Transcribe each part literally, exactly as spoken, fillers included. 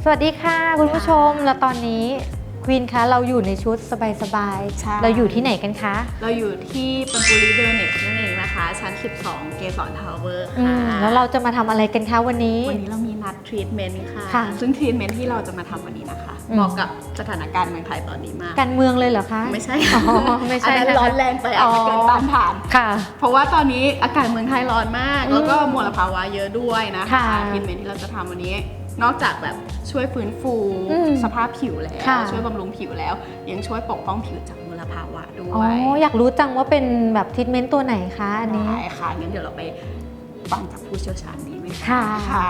สวัสดีค่ะคุณผู้ชมแล้วตอนนี้ควีนคะเราอยู่ในชุดสบายๆเราอยู่ที่ไหนกันคะเราอยู่ที่ปังปุริเวลเนสนั่นเองนะคะชั้นสิบสองเกสรทาวเวอร์ค่ะแล้วเราจะมาทำอะไรกันคะวันนี้วันนี้เรามีนัดทรีทเมนต์ค่ะซึ่งทรีทเมนต์ที่เราจะมาทำวันนี้นะคะเหมาะกับสถานการณ์เมืองไทยตอนนี้มากการเมืองเลยเหรอคะไม่ใช่ไม่ใช่อันนั้นร้อนแรงไปอาจจะเกินต้านทานค่ะเพราะว่าตอนนี้อากาศเมืองไทยร้อนมากแล้วก็มลภาวะเยอะด้วยนะคะทรีทเมนต์ที่เราจะทำวันนี้นอกจากแบบช่วยฟื้นฟูสภาพผิวแล้วช่วยบำรุงผิวแล้วยังช่วยปกป้องผิวจากมลภาวะด้วยอ๋ออยากรู้จังว่าเป็นแบบทรีทเมนต์ตัวไหนคะอันนี้ได้ค่ะงั้นเดี๋ยวเราไปฟังจากผู้เชี่ยวชาญดีไหมค่ะค่ะ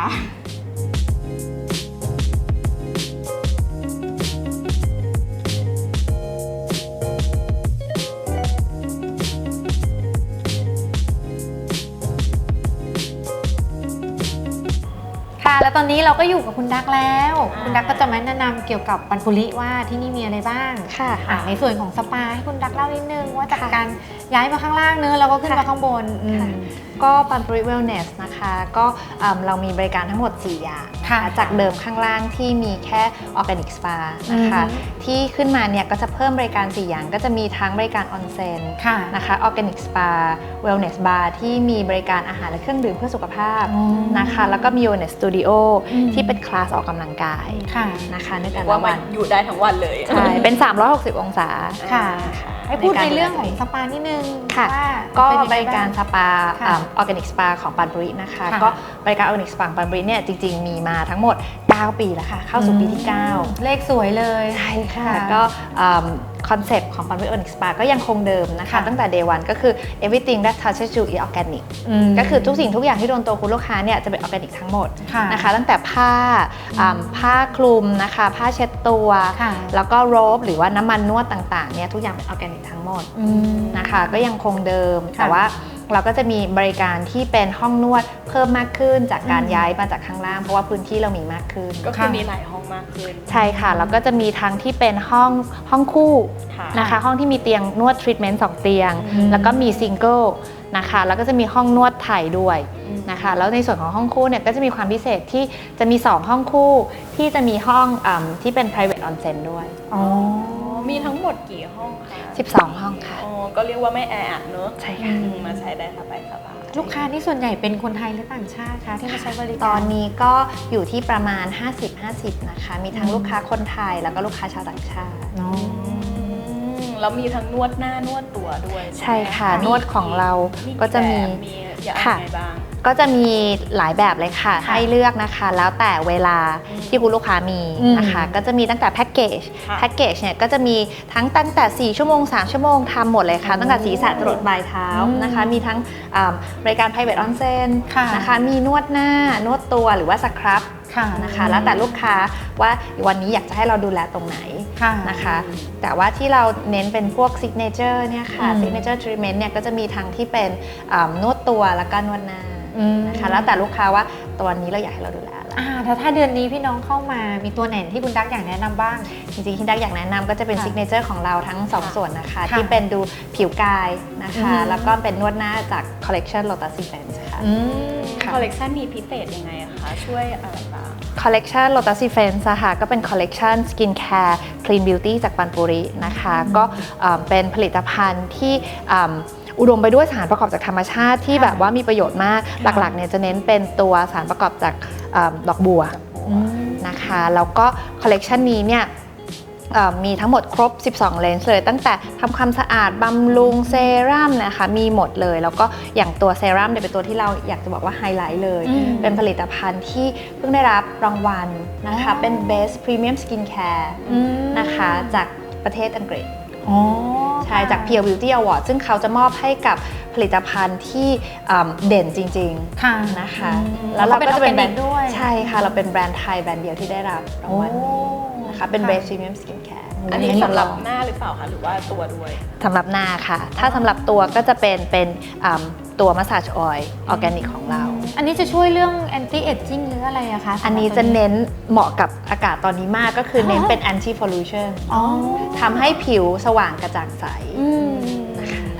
แล้วตอนนี้เราก็อยู่กับคุณดักแล้วคุณดักก็จะมาแนะนำเกี่ยวกับปันปุริว่าที่นี่มีอะไรบ้างค่ะในส่วนของสปาให้คุณดักเล่านิดนึงว่าจากการย้ายมาข้างล่างเนื้อแล้วก็ขึ้นมาข้างบนก็ปันปุริเวลเนสนะคะก็เรามีบริการทั้งหมดสี่อย่างจากเดิมข้างล่างที่มีแค่ออร์แกนิกสปานะคะที่ขึ้นมาเนี่ยก็จะเพิ่มบริการสี่อย่างก็จะมีทั้งบริการออนเซ็นนะคะออร์แกนิกสปาเวลเนสบาร์ที่มีบริการอาหารและเครื่องดื่มเพื่อสุขภาพนะคะแล้วก็มี Wellness Studio ที่เป็นคลาสออกกำลังกายนะคะในแต่ละวันอยู่ได้ทั้งวันเลยใช่เป็นสามร้อยหกสิบองศาค่ะให้พูดในเรื่องของสปานิดนึงค่ะก็บริการสปาออร์แกนิกสปาของปันปุรินะคะก็บริการออร์แกนิกสปาของปันปุริเนี่ยจริงๆมีมาทั้งหมดเก้าปีแล้วค่ะเข้าสู่ปีที่เก้าเลขสวยเลยใช่ค่ะก็คอนเซปต์ของปันปุริออร์แกนิกสปาก็ยังคงเดิมนะคะตั้งแต่ day one ก็คือ everything that touches you is organic ก็คือทุกสิ่งทุกอย่างที่โดนตัวคุณลูกค้าเนี่ยจะเป็นออร์แกนิกทั้งหมดนะคะตั้งแต่ผ้าผ้าคลุมนะคะผ้าเช็ดตัวแล้วก็โรบหรือว่าน้ำมันนวดต่างๆเนี่ยทุกอย่างเป็นออร์แกนิกทั้งหมดนะคะก็ยังคงเดิมแต่ว่าเราก็จะมีบริการที่เป็นห้องนวดเพิ่มมากขึ้นจากการย้ายมาจากข้างล่างเพราะว่าพื้นที่เรามีมากขึ้นก็คือมีหลายห้องมากขึ้นใช่ค่ะแล้วก็จะมีทั้งที่เป็นห้องห้องคู่นะคะห้องที่มีเตียงนวดทรีทเมนต์สองเตียงแล้วก็มีซิงเกิลนะคะแล้วก็จะมีห้องนวดไทยด้วยนะคะแล้วในส่วนของห้องคู่เนี่ยก็จะมีความพิเศษที่จะมีสองห้องคู่ที่จะมีห้องที่เป็น private onsen ด้วยอ๋อมีทั้งหมดกี่ห้องคะสิบสองห้องค่ะอ๋อก็เรียกว่าไม่แออัดเนอะใช่ค่ะมาใช้ได้สบายสบายลูกค้าที่ส่วนใหญ่เป็นคนไทยหรือต่างชาติคะที่มาใช้บริการตอนนี้ก็อยู่ที่ประมาณ ห้าสิบ ห้าสิบ นะคะมีทั้งลูกค้าคนไทยแล้วก็ลูกค้าชาวต่างชาติแล้วมีทั้งนวดหน้านวดตัวด้วยใช่ค่ะนวดของเราก็จะมีค่ะก็จะมีหลายแบบเลยค่ะให้เลือกนะคะแล้วแต่เวลาที่คุณลูกค้ามีนะคะก็จะมีตั้งแต่แพ็กเกจแพ็กเกจเนี่ยก็จะมีทั้งตั้งแต่สี่ชั่วโมงสามชั่วโมงทำหมดเลยค่ะตั้งแต่ศีรษะจรดปลายเท้านะคะมีทั้งบริการ private onsen นะคะมีนวดหน้านวดตัวหรือว่าสครับนะคะแล้วแต่ลูกค้าว่าวันนี้อยากจะให้เราดูแลตรงไหนนะคะแต่ว่าที่เราเน้นเป็นพวก signature เนี่ยค่ะ signature treatment เนี่ยก็จะมีทั้งที่เป็นนวดตัวแล้วก็นวดหน้านะคะแล้วแต่ลูกค้าว่าตัวนี้เราอยากให้เราดูแลอ่าแต่ถ้าเดือนนี้พี่น้องเข้ามามีตัวไหนที่คุณดักอยากแนะนำบ้างจริงๆที่ดักอยากแนะนำก็จะเป็นซิกเนเจอร์ของเราทั้งสองส่วนนะคะที่เป็นดูผิวกายนะคะแล้วก็เป็นนวดหน้าจากคอลเลกชัน Lotus Events ค่ะคอลเลกชันนี้พิเศษยังไงคะช่วยอะไรบ้างคอลเลกชัน Lotus Events ค่ะก็เป็นคอลเลกชัน Skin Care Clean Beauty จากปันปุรินะคะก็เป็นผลิตภัณฑ์ที่อุดมไปด้วยสารประกอบจากธรรมชาติที่แบบว่ามีประโยชน์มากหลักๆเนี่ยจะเน้นเป็นตัวสารประกอบจากดอกบัวนะคะแล้วก็คอลเลกชันนี้เนี่ยมีทั้งหมดครบสิบสองเลนส์เลยตั้งแต่ทำความสะอาดบำรุงเซรั่มนะคะมีหมดเลยแล้วก็อย่างตัวเซรั่มเนี่ยเป็นตัวที่เราอยากจะบอกว่าไฮไลท์เลยเป็นผลิตภัณฑ์ที่เพิ่งได้รับรางวัลนะคะเป็น Best Premium Skin Care นะคะจากประเทศอังกฤษใช่จาก Pure Beauty Award ซึ่งเขาจะมอบให้กับผลิตภัณฑ์ที่เด่นจริงๆนะคะแล้วเราก็จะเป็นแบรนด์ด้วยใช่ค่ะเราเป็นแบรนด์ไทยแบรนด์เดียวที่ได้รับรางวัลนะคะเป็น Best Premium Skin Care อันนี้สำหรับหน้าหรือเปล่าคะหรือว่าตัวด้วยสำหรับหน้าค่ะถ้าสำหรับตัวก็จะเป็นเป็นตัวมัสซาจออยล์ออร์แกนิกของเราอันนี้จะช่วยเรื่อง anti aging หรืออะไรอะคะอันนี้จะเน้นเหมาะกับอากาศตอนนี้มากก็คือเน้นเป็น anti pollution ทำให้ผิวสว่างกระจ่างใสนะคะท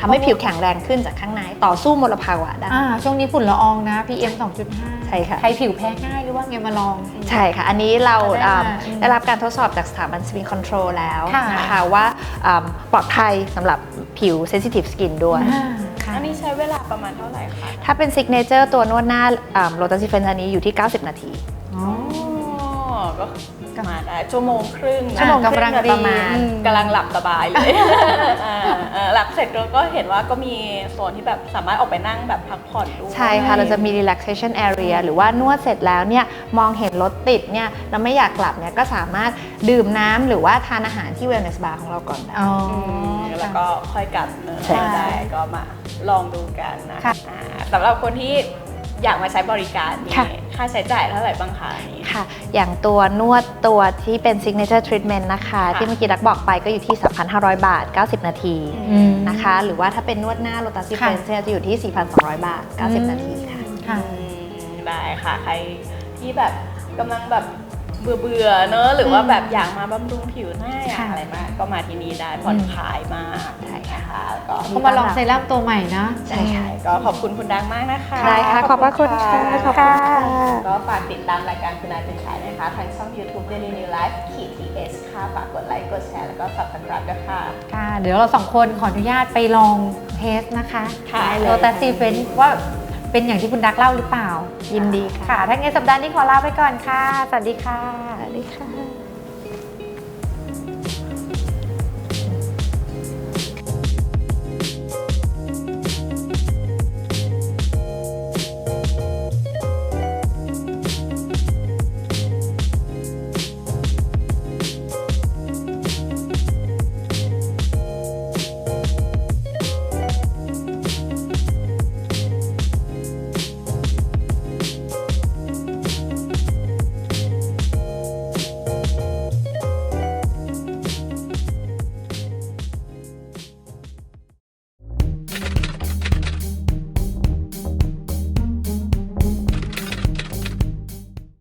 ทำให้ผิวแข็งแรงขึ้นจากข้างในต่อสู้มลภาวะได้อ่าช่วงนี้ฝุ่นละอองนะ พี เอ็ม สองจุดห้าใช่ค่ะใครผิวแพ้ง่ายหรือว่าไงมาลองใช่ค่ะ อันนี้เราได้อ่ามาได้รับการทดสอบจากสถาบัน Spin Control แล้วค่ะนะคะว่าอ่าปลอดภัยสำหรับผิว Sensitive Skin ด้วยอ่าค่ะอันนี้ใช้เวลาประมาณเท่าไหร่คะถ้าเป็น Signature ตัวนวดหน้าโลตัสซิเฟนอันนี้อยู่ที่ เก้าสิบ นาทีอ๋ออ๋อก็มาได้ชั่วโมงครึ่งนะชั่วโมงครึ่งโดยประมาณอืมกำลังหลับสบายเลยอ่าเอ่อหลับเสร็จแล้วก็เห็นว่าก็มีโซนที่แบบสามารถออกไปนั่งแบบพักผ่อนด้วยใช่ค่ะ เราจะมี relaxation area หรือว่านวดเสร็จแล้วเนี่ยมองเห็นรถติดเนี่ยเราไม่อยากกลับเนี่ยก็สามารถดื่มน้ำหรือว่าทานอาหารที่ wellness bar ของเราก่อนได้อ๋อมแล้วก็ค่อยกลับเนอะใช่ได้ก็มาลองดูกันนะค่ะอ่าสำหรับคนที่อยากมาใช้บริการนี่ค่ะค่าใช้จ่ายเท่าไหร่บ้างคะอันนี้ค่ะ อย่างตัวนวดตัวที่เป็น signature treatment นะคะค่ะที่เมื่อกี้ดักบอกไปก็อยู่ที่ สามพันห้าร้อย บาท เก้าสิบ นาทีอืมนะคะ หรือว่าถ้าเป็นนวดหน้าโลตัสซิเฟนค่ะจะอยู่ที่ สี่พันสองร้อย บาท เก้าสิบ นาทีค่ะค่ะอืมได้ค่ะใครที่แบบกำลังแบบเบื่อเบื่อๆเนอะหรือว่าแบบอยากมาบำรุงผิวหน้าอยากค่ะอะไรมากก็มาที่นี่ได้ผ่อนคลายมากใช่นะคะแล้วก็เขามาลองเซรั่มตัวใหม่นะใช่ค่ะก็ขอบคุณคุณดังมากนะคะได้ค่ะ ขอบพระคุณค่ะ ขอบคุณค่ะก็ฝากติดตามรายการคุณนายเป็นชายนะคะทางช่อง YouTube Daily New Life ขีด ที เอส ค่ะฝากกดไลค์กดแชร์แล้วก็ Subscribe ด้วยค่ะค่ะ เดี๋ยวเราสองคนขออนุญาตไปลองเทสนะคะค่ะโลตัสซีเฟนว่าเป็นอย่างที่คุณดักเล่าหรือเปล่ายินดีค่ะค่ะ ถ้างั้นสัปดาห์นี้ขอลาไปก่อนค่ะ สวัสดีค่ะสวัสดีค่ะ